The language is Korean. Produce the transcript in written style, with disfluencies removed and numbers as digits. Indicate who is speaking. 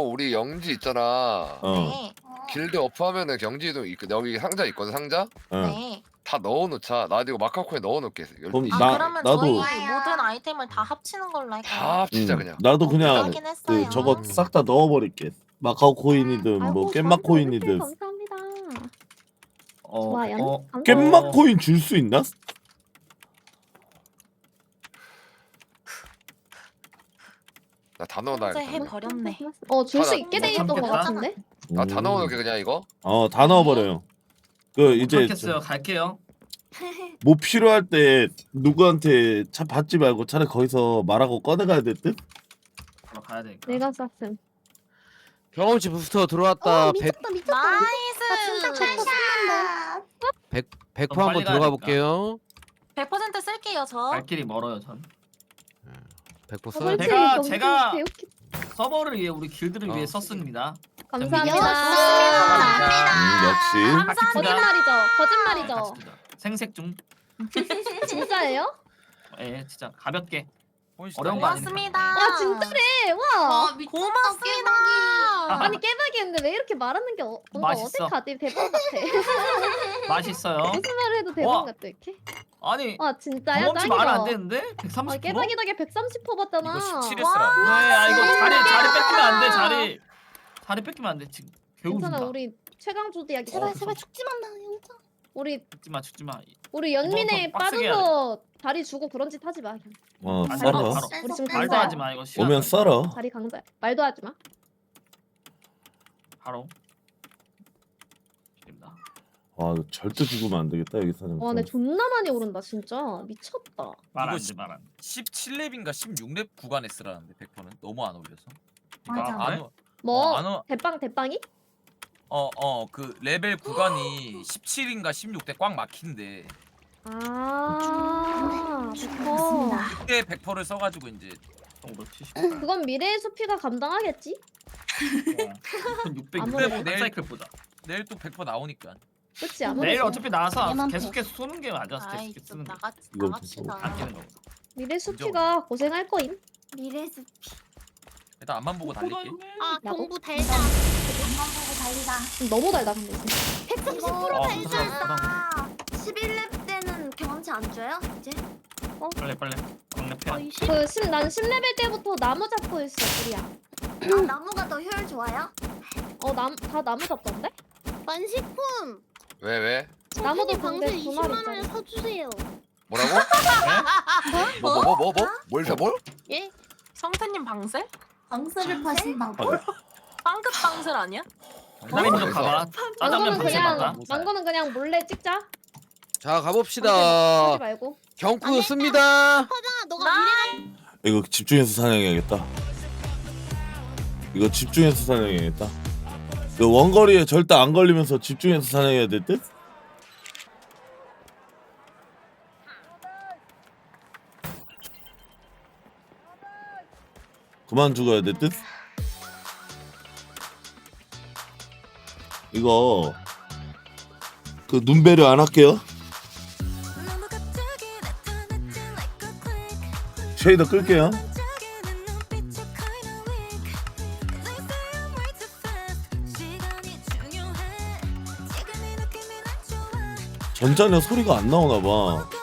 Speaker 1: 우리 영지 있잖아.
Speaker 2: 네.
Speaker 1: 길드 어프하면은 경지도 여기 상자 있거든 상자.
Speaker 2: 네.
Speaker 1: 다 넣어놓자. 나 이거 마카코에 넣어놓게.
Speaker 3: 그럼
Speaker 2: 그러면
Speaker 3: 나도
Speaker 2: 저희 모든 아이템을 다 합치는 걸로 할까요?
Speaker 1: 다 합치자 그냥.
Speaker 3: 나도 그냥
Speaker 2: 하긴 했어요.
Speaker 3: 그 저거 싹 다 넣어버릴게. 마카오 코인이든 뭐 깻맛 코인이든.
Speaker 4: 감사합니다.
Speaker 3: 깻맛 코인 줄 수 있나?
Speaker 1: 나 다
Speaker 2: 현재
Speaker 1: 넣어놔야겠다.
Speaker 2: 해버렸네.
Speaker 4: 줄 수
Speaker 1: 아,
Speaker 4: 있게
Speaker 1: 나
Speaker 4: 돼 있던 것
Speaker 5: 참겠다.
Speaker 4: 같은데.
Speaker 1: 나 다 넣어놓게 그냥 이거.
Speaker 3: 다 넣어버려요. 그 이제
Speaker 5: 겠어요 갈게요.
Speaker 3: 뭐 필요할 때 누구한테 차 받지 말고 차라리 거기서 말하고 꺼내가야 될 듯?
Speaker 5: 바로 가야 되니까.
Speaker 4: 내가 쐈음.
Speaker 6: 경험치 부스터 들어왔다. 100%
Speaker 4: 미쳤다.
Speaker 2: 나이스.
Speaker 6: 100%
Speaker 5: 빨리
Speaker 6: 한번
Speaker 5: 가야
Speaker 6: 들어가
Speaker 5: 되니까.
Speaker 6: 볼게요.
Speaker 2: 100% 쓸게요 저.
Speaker 5: 갈 길이 멀어요 전.
Speaker 6: 100% 써야 돼.
Speaker 5: 제가 서버를 위해 우리 길드를 위해 썼습니다.
Speaker 4: 감사합니다.
Speaker 3: 역시.
Speaker 4: 거짓말이죠. 거짓말이죠.
Speaker 5: 같이 생색 중.
Speaker 4: 진짜예요?
Speaker 5: 예, 진짜 가볍게.
Speaker 7: 보이시죠?
Speaker 5: 어려운 거 아니니까.
Speaker 2: 고맙습니다.
Speaker 4: 와 진짜래. 와.
Speaker 2: 고맙습니다.
Speaker 4: 아니 깨박이었는데 왜 이렇게 말하는 게 뭔가
Speaker 5: 맛있어.
Speaker 4: 어색하지? 대박 같아.
Speaker 5: 맛있어요.
Speaker 4: 무슨 말을 해도 대박
Speaker 5: 와.
Speaker 4: 같아 이렇게.
Speaker 5: 아니
Speaker 4: 와 진짜야?
Speaker 5: 경험치
Speaker 4: 짱이다.
Speaker 5: 말안 되는데? 130%?
Speaker 4: 아, 깨박이 덕에 130 퍼봤잖아.
Speaker 7: 이거 17
Speaker 2: 와.
Speaker 7: 했어라.
Speaker 5: 네, 아 이거 자리 뺏기면 안 돼. 자리 뺏기면 안 돼. 지금
Speaker 4: 괜찮아
Speaker 5: 배우준다.
Speaker 4: 우리 최강 조디야.
Speaker 5: 제발, 제발
Speaker 4: 죽지 마 영자. 우리
Speaker 5: 죽지 마.
Speaker 4: 연민에
Speaker 5: 이번 더 빡세게 해야
Speaker 4: 빠져서 다리 주고 그런 짓 하지 마. 그냥.
Speaker 5: 안
Speaker 3: 썰어.
Speaker 5: 바로.
Speaker 4: 우리 지금
Speaker 5: 말도
Speaker 4: 강자야.
Speaker 5: 하지 마 이거. 시간
Speaker 3: 오면
Speaker 5: 나.
Speaker 3: 썰어.
Speaker 4: 다리 강자. 말도 하지 마.
Speaker 5: 바로. 됩니다.
Speaker 3: 와 이거 절대 죽으면 안 되겠다 여기 사는.
Speaker 4: 와, 내 존나 많이 오른다 진짜. 미쳤다.
Speaker 5: 말안
Speaker 7: 이거
Speaker 5: 돼, 말 안 돼.
Speaker 7: 17렙인가 16렙 구간에 쓰라는데 100%는 너무 안 올려서.
Speaker 2: 맞아.
Speaker 5: 안 돼?
Speaker 4: 뭐
Speaker 7: 안 와.
Speaker 4: 대빵이?
Speaker 7: 그 레벨 구간이 17인가 16대 꽉 막힌데
Speaker 4: 아,
Speaker 7: 그때 100%를 써가지고 이제
Speaker 5: 정도 70.
Speaker 4: 그건 미래의 수피가 감당하겠지?
Speaker 5: 600.
Speaker 4: 아무래도.
Speaker 5: 뭐 내일 사이클 보자.
Speaker 7: 내일 또 100% 나오니까.
Speaker 4: 그렇지 아무래도.
Speaker 5: 내일 어차피 나와서
Speaker 2: 얘만
Speaker 5: 계속해서 쏘는 게 맞아.
Speaker 2: 아이
Speaker 5: 계속해서
Speaker 2: 좀
Speaker 5: 쓰는 거.
Speaker 3: 이거
Speaker 2: 나갑시다.
Speaker 5: 아끼는 거.
Speaker 4: 미래 수피가 고생할 거임.
Speaker 8: 미래 숲.
Speaker 7: 일단 앞만 보고 달릴게.
Speaker 8: 아
Speaker 4: 나도?
Speaker 8: 공부 달자.
Speaker 2: 엄마 보고 달리다.
Speaker 4: 너무 달다 근데.
Speaker 8: 130%
Speaker 5: 부담.
Speaker 8: 달자. 11렙 때는 경험치 안 줘요? 이제?
Speaker 5: 빨리. 강력해야.
Speaker 4: 난 10레벨 때부터 나무 잡고 있어 우리야.
Speaker 8: 아, 나무가 더 효율 좋아요?
Speaker 4: 다 나무 잡던데?
Speaker 8: 만식품.
Speaker 1: 왜?
Speaker 4: 나무도
Speaker 8: 방세
Speaker 4: 근데 두 마리
Speaker 8: 20만 원에
Speaker 4: 있잖아.
Speaker 8: 사주세요.
Speaker 1: 뭐라고? 뭘 사? 뭘?
Speaker 2: 예? 성태님 방셀?
Speaker 8: 방세를 파신다고?
Speaker 2: 빵끝 방셀 아니야?
Speaker 5: 기다리는 좀 가봐. 짜장면 방세 맞다.
Speaker 4: 망고는 그냥 몰래 찍자.
Speaker 6: 자
Speaker 4: 하지
Speaker 6: 가봅시다.
Speaker 4: 말고.
Speaker 6: 경쿠 씁니다.
Speaker 8: 너가
Speaker 3: 이거 집중해서 사냥해야겠다. 이거 집중해서 사냥해야겠다. 그 원거리에 절대 안 걸리면서 집중해서 사냥해야 될 듯? 그만 죽어야 될 듯? 이거 그 눈배려 안 할게요. 쉐이더 끌게요. 전자는 소리가 안 나오나 봐.